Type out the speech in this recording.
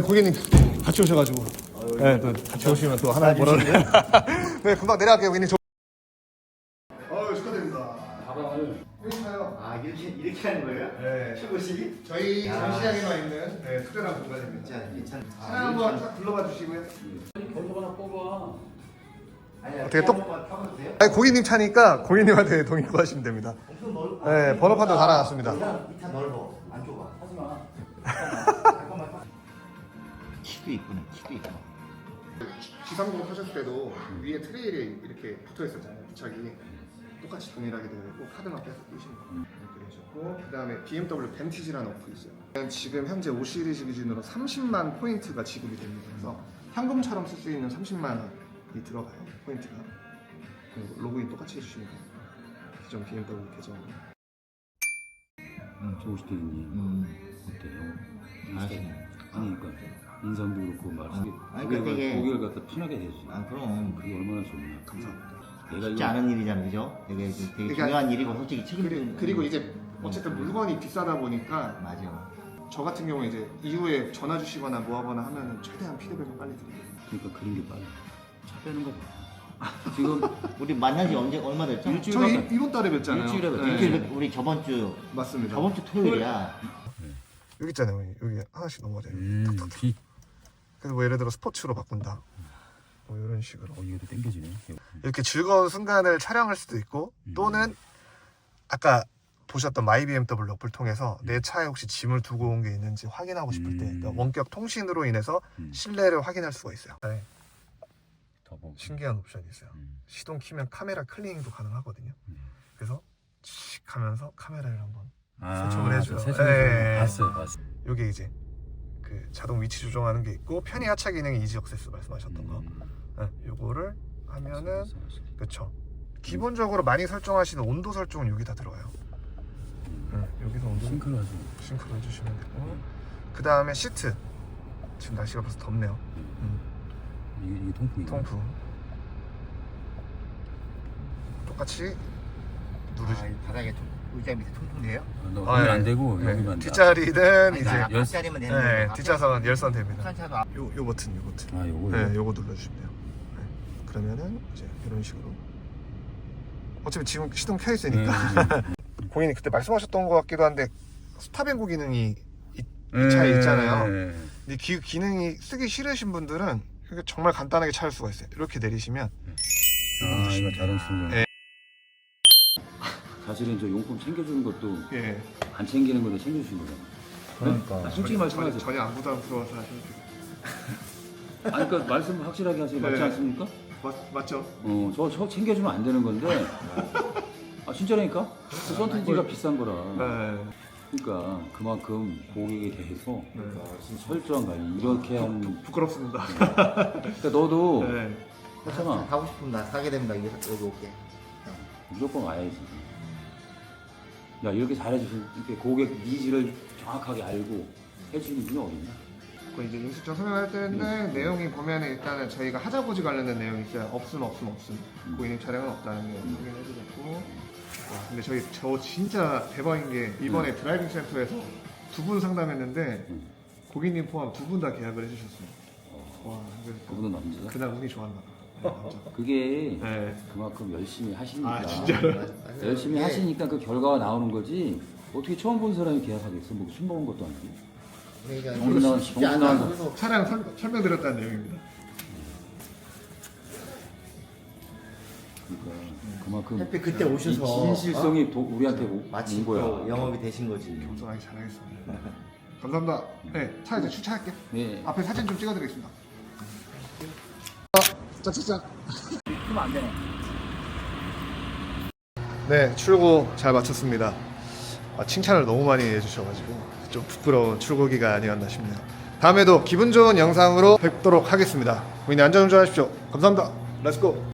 고객님 같이 오셔가지고 네, 또 같이 오시면 또 하나 뭐라 그래. 네, 금방 내려갈게요 고객님. 축하드립니다. 가방을 여기가요. 아 이렇게 하는 거예요? 네. 최고식이? 저희 전시장에만 있는 네, 특별한 공간입니다. 진짜 괜찮. 차량 한번 딱 불러봐 주시고요. 거기서 하나 뽑아. 어떻게 똑- 타봐도 돼요? 아니, 고객님 차니까 고객님한테 동의 구하시면 됩니다. 엄청 넓. 네, 번호판도 다 나왔습니다. 이차 넓어. 안 좁아. 하지마. 잠깐만. 키도 있구나. 키도 있구나. G30 타셨을 때도 위에 트레일이 이렇게 붙어 있었잖아요. 부착이 똑같이 동일하게 되어 있고 카드만 빼서 끼시면 이렇게 되셨고, 그 다음에 BMW 벤티지라는 어플이 있어요. 지금 현재 5 시리즈 기준으로 30만 포인트가 지급이 됩니다. 그래서 현금처럼 쓸 수 있는 30만 원이 들어가요. 포인트가. 그리고 로그인 똑같이 해주시면 돼요. 기존 BMW 계정. 조우식 대리님 어때요? 알았어요. 아니 그러니까 인상도 그렇고 말씀이 아니, 그러니까 되게- 고객을 갖다 편하게 해주지. 아 그럼 그게 얼마나 좋나. 감사합니다. 내가 쉽지 이거 않은 일이잖아, 그죠? 되게 그러니까- 중요한 일이고 솔직히 책임도. 그리고 이제 어쨌든 물건이 비싸다 보니까 맞아. 저 같은 경우 이제 이후에 전화 주시거나 뭐 하거나 하면은 최대한 피드백을 빨리 드려요. 그러니까 그런 게 빨리 차 빼는 거 봐. 지금 우리 만난 지 언제 얼마 됐죠? 일주일 저희 가까이. 이번 달에 뵀잖아요. 일주일에 뵀죠. 네. 일주일 우리 저번 주 맞습니다. 토요일이야. 여기 있잖아요. 여기 하나씩 넘어져요. 뒤. 그래서 뭐 예를 들어 스포츠로 바꾼다. 뭐 이런 식으로 이것도 땡겨지네. 이렇게 즐거운 순간을 촬영할 수도 있고, 또는 아까 보셨던 마이 BMW 어플 통해서 내 차에 혹시 짐을 두고 온 게 있는지 확인하고 싶을 때 그러니까 원격 통신으로 인해서 실내를 확인할 수가 있어요. 네, 더 보고. 신기한 옵션이 있어요. 시동 키면 카메라 클리닝도 가능하거든요. 그래서 칙 하면서 카메라를 한번 세척을 해줘요. 네. 봤어요. 이게 이제 그 자동 위치 조정하는 게 있고, 편의 하차 기능이 이지 액세스 말씀하셨던 거. 네, 요거를 하면은 그쵸. 기본적으로 많이 설정하시는 온도 설정은 여기 다 들어가요. 네, 여기서 온도 싱크로하죠. 싱크로 해주시면 되고, 그 다음에 시트. 지금 날씨가 벌써 덥네요. 이게 통풍이. 통풍 똑같이 누르시. 이 바닥에 의자 밑에 통통돼요? 너 거기 안 되고 네, 여기만. 뒷자리는 이제 앞자리만 되는 네, 거예요. 뒷좌석은 열선 됩니다. 차도 앞. 요 버튼. 아 요거. 네, 요거 눌러주시면 돼요. 네. 그러면은 이제 이런 식으로. 어차피 지금 시동 켜 있으니까. 고객님 그때 말씀하셨던 것 같기도 한데 스탑앤고 기능이 이 차에 있잖아요. 근데 기능이 쓰기 싫으신 분들은 그게 정말 간단하게 찾을 수가 있어요. 이렇게 내리시면. 아 이거 자동 충전. 네. 사실은 저 용품 챙겨주는 것도 예. 안 챙기는 건데 챙겨주신 거잖아. 그러니까. 솔직히 말씀하세요. 전혀 안 부담스러워서 하셔도 돼요. 아니 그러니까 말씀 확실하게 하세요. 맞지 네. 않습니까? 맞죠? 저 챙겨주면 안 되는 건데. 아 진짜라니까? 그 선택지가 비싼 거라. 네. 그러니까 그만큼 고객에 대해서 네. 철저한 관리 이렇게 하는. 부끄럽습니다. 그러니까 너도 네. 했잖아. 가고 싶으면 나 사게 됩니다. 여기 올게. 무조건 와야지. 야 이렇게 잘해주신 이렇게 고객 니즈를 정확하게 알고 해주시는 분이 어딨냐? 그 이제 인수청 설명할 때는 내용이 보면은 일단은 저희가 하자고지 관련된 내용이 있어요. 없음. 고객님 차량은 없다는 게 확인해주셨고. 근데 저 진짜 대박인 게 이번에 드라이빙 센터에서 2분 상담했는데 고객님 포함 2분 다 계약을 해주셨어요. 와, 그래서 그분은 남자야? 그날 운이 좋았나 봐. 네, 남자. 그게 네. 그만큼 열심히 하시니까. 아, 진짜로? 열심히 하시니까 그 결과가 나오는 거지. 어떻게 처음 본 사람이 계약하겠어? 뭐 술 먹은 것도 아니고. 그러니까 정신 나간 쉽지 정신 않아. 나간 그래서 차량 설명드렸다는 내용입니다. 그러니까 그만큼 햇빛 그때 오셔서 이 진실성이 우리한테 마치 온 거야. 또 영업이 되신 거지. 겸손하게 잘하겠습니다. 감사합니다. 네, 차 이제 주차할게요. 네. 앞에 사진 좀 찍어드리겠습니다. 짝짝짝. 그러면 안 되네. 네, 출고 잘 마쳤습니다. 칭찬을 너무 많이 해주셔가지고 좀 부끄러운 출고기가 아니었나 싶네요. 다음에도 기분 좋은 영상으로 뵙도록 하겠습니다. 고객님 안전운전하십시오. 감사합니다. 렛츠고.